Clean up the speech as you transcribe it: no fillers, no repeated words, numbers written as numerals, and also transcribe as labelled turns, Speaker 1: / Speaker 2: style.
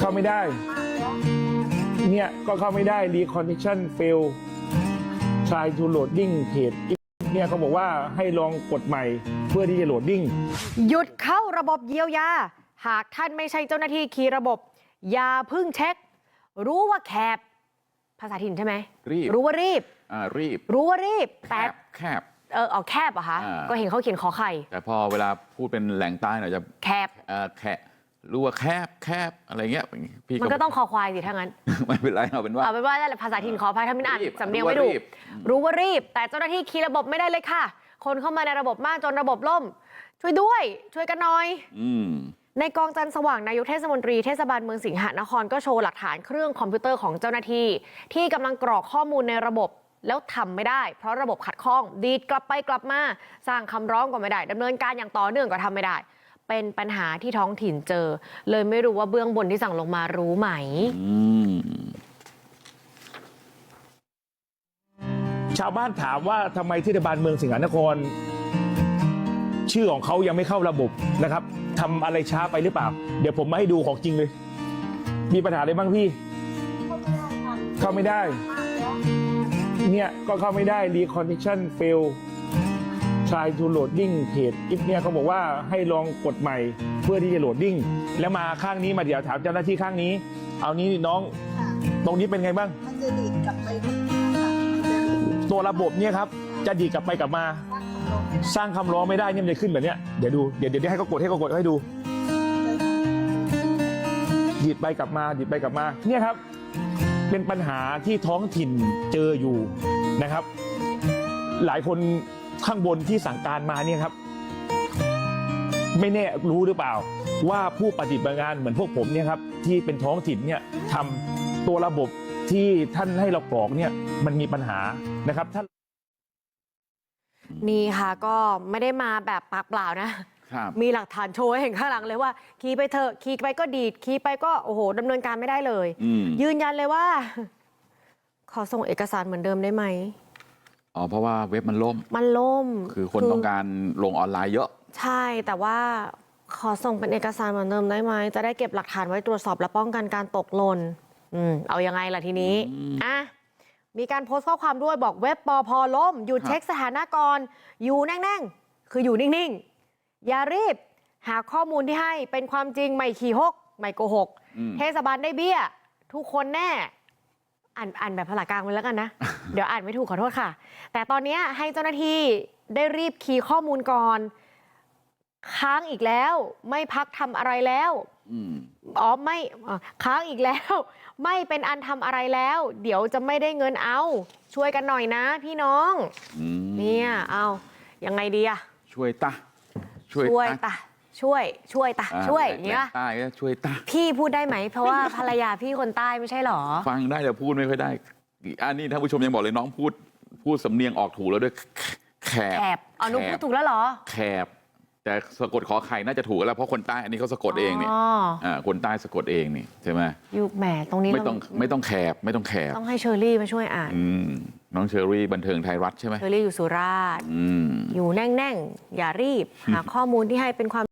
Speaker 1: าไม่ได้เนี่ยก็เข้าไม่ได้ reconnection fail try to loading page เนี่ยเขาบอกว่าให้ลองกดใหม่เพื่อที่จะโหลดดิ้ง
Speaker 2: หยุดเข้าระบบเยียวยาหากท่านไม่ใช่เจ้าหน้าที่คีย์ระบบอย่าพึ่งเช็ครู้ว่าแคบภาษาถิ่นใช่ไหม
Speaker 3: รีบ
Speaker 2: รู้ว่ารีบ
Speaker 3: รีบ
Speaker 2: รู้ว่ารีบแต่
Speaker 3: แคบ
Speaker 2: เอาแคบเหรอคะก็เห็นเขาเขียนขอไข่
Speaker 3: แต่พอเวลาพูดเป็นแหล่งใต้หน่อยจะ
Speaker 2: แคบ
Speaker 3: รู้ว่าแคบอะไรเงี้ยพี่
Speaker 2: มันก็ต้องคอควายสิถ้างั้น
Speaker 3: ไม่เป็นไรเอาเป็นว่า
Speaker 2: ภาษาถิ่นขออภัยถ้าไม่อ่านสำเนียงไม่ถูกรู้ว่ารีบแต่เจ้าหน้าที่คีย์ระบบไม่ได้เลยค่ะคนเข้ามาในระบบมากจนระบบล่มช่วยด้วยช่วยกันหน่อยในกองจันทร์สว่างนายกเทศมนตรีเทศบาลเมืองสิงหนครก็โชว์หลักฐานเครื่องคอมพิวเตอร์ของเจ้าหน้าที่ที่กำลังกรอกข้อมูลในระบบแล้วทำไม่ได้เพราะระบบขัดข้องดีดกลับไปกลับมาสร้างคำร้องก็ไม่ได้ดำเนินการอย่างต่อเนื่องก็ทำไม่ได้เป็นปัญหาที่ท้องถิ่นเจอเลยไม่รู้ว่าเบื้องบนที่สั่งลงมารู้ไหม
Speaker 1: ชาวบ้านถามว่าทำไมเทศบาลเมืองสิงหนครชื่อของเขายังไม่เข้าระบบนะครับทำอะไรช้าไปหรือเปล่าเดี๋ยวผมมาให้ดูของจริงเลยมีปัญหาอะไรบ้างพี่เข้าไม่ได้เนี่ยก็เข้าไม่ได้ reconnection fail try to loading page เนี่ยเขาบอกว่าให้ลองกดใหม่เพื่อที่จะโหลดดิ้งแล้วมาข้างนี้มาเดี๋ยวถามเจ้าหน้าที่ข้างนี้เอานี้น้องตรงนี้เป็นไงบ้าง
Speaker 4: มันจะดีดกลับไป
Speaker 1: ตัวระบบเนี่ยครับจะดีดกลับไปกลับมาสร้างคำร้องไม่ได้เนี่ยมันจะขึ้นแบบเนี้ยเดี๋ยวดูเดี๋ยวให้เขากดให้ดูดีดไปกลับมาดีดไปกลับมาเนี่ยครับเป็นปัญหาที่ท้องถิ่นเจออยู่นะครับหลายคนข้างบนที่สั่งการมาเนี่ยครับไม่แน่รู้หรือเปล่าว่าผู้ปฏิบัติงานเหมือนพวกผมเนี่ยครับที่เป็นท้องถิ่นเนี่ยทำตัวระบบที่ท่านให้เรากรอกเนี่ยมันมีปัญหานะครับท่าน
Speaker 2: นี่ค่ะก็ไม่ได้มาแบบปากเปล่านะมีหลักฐานโชว์ให้เห็นข้างหลังเลยว่าขี่ไปเถอะขี่ไปก็ดีดขี่ไปก็โอ้โหดำเนินการไม่ได้เลยยืนยันเลยว่าขอส่งเอกสารเหมือนเดิมได้ไหม
Speaker 3: เพราะว่าเว็บมันล่มคือคนต้องการลงออนไลน์เยอะ
Speaker 2: ใช่แต่ว่าขอส่งเป็นเอกสารเหมือนเดิมได้ไหมจะได้เก็บหลักฐานไว้ตรวจสอบและป้องกันการตกหล่นเอายังไงล่ะทีนี้มีการโพสต์ข้อความด้วยบอกเว็บปพล่มหยุดเช็คสถานะก่อนอยู่แน่งๆคืออยู่นิ่งๆอย่ารีบหาข้อมูลที่ให้เป็นความจริงไม่ขี่หกไม่โกหกเทศบาลได้เบี้ยทุกคนแน่อ่านแบบภาษากลางไปแล้วกันนะ เดี๋ยวอ่านไม่ถูกขอโทษค่ะแต่ตอนนี้ให้เจ้าหน้าที่ได้รีบคีย์ข้อมูลก่อนค้างอีกแล้วไม่พักทำอะไรแล้วไม่ค้างอีกแล้วไม่เป็นอันทำอะไรแล้วเดี๋ยวจะไม่ได้เงินเอาช่วยกันหน่อยนะพี่น้องเนี่ยเอายังไงดีอะ
Speaker 3: ช่วยตา
Speaker 2: ช่วยเนี่ย
Speaker 3: ใต้ก็ช่วยตา
Speaker 2: พี่พูดได้ไหมเพราะว่าภรรยาพี่คนใต้ไม่ใช่หรอ
Speaker 3: ฟังได้แต่พูดไม่ค่อยได้อันนี้ท่านผู้ชมยังบอกเลยน้องพูดสำเนียงออกถูกแล้วด้วยแคบ
Speaker 2: หนูพูดถูกแล้วเหรอ
Speaker 3: แคบแต่สะกดขอไข่น่าจะถูกแล้วเพราะคนใต้อันนี้เขาสะกดเองนี่คนใต้สะกดเองนี่ใช่ไหม
Speaker 2: ยุคแหมตรงนี้
Speaker 3: ไม่ต้องแคบ
Speaker 2: ต้องให้เชอรี่มาช่วยอ่าน
Speaker 3: น้องเชอรี่บันเทิงไทยรัฐใช่ไหม
Speaker 2: เชอรี่อยู่สุราษฎร์อยู่แน่งอย่ารีบหาข้อมูลที่ให้เป็นความ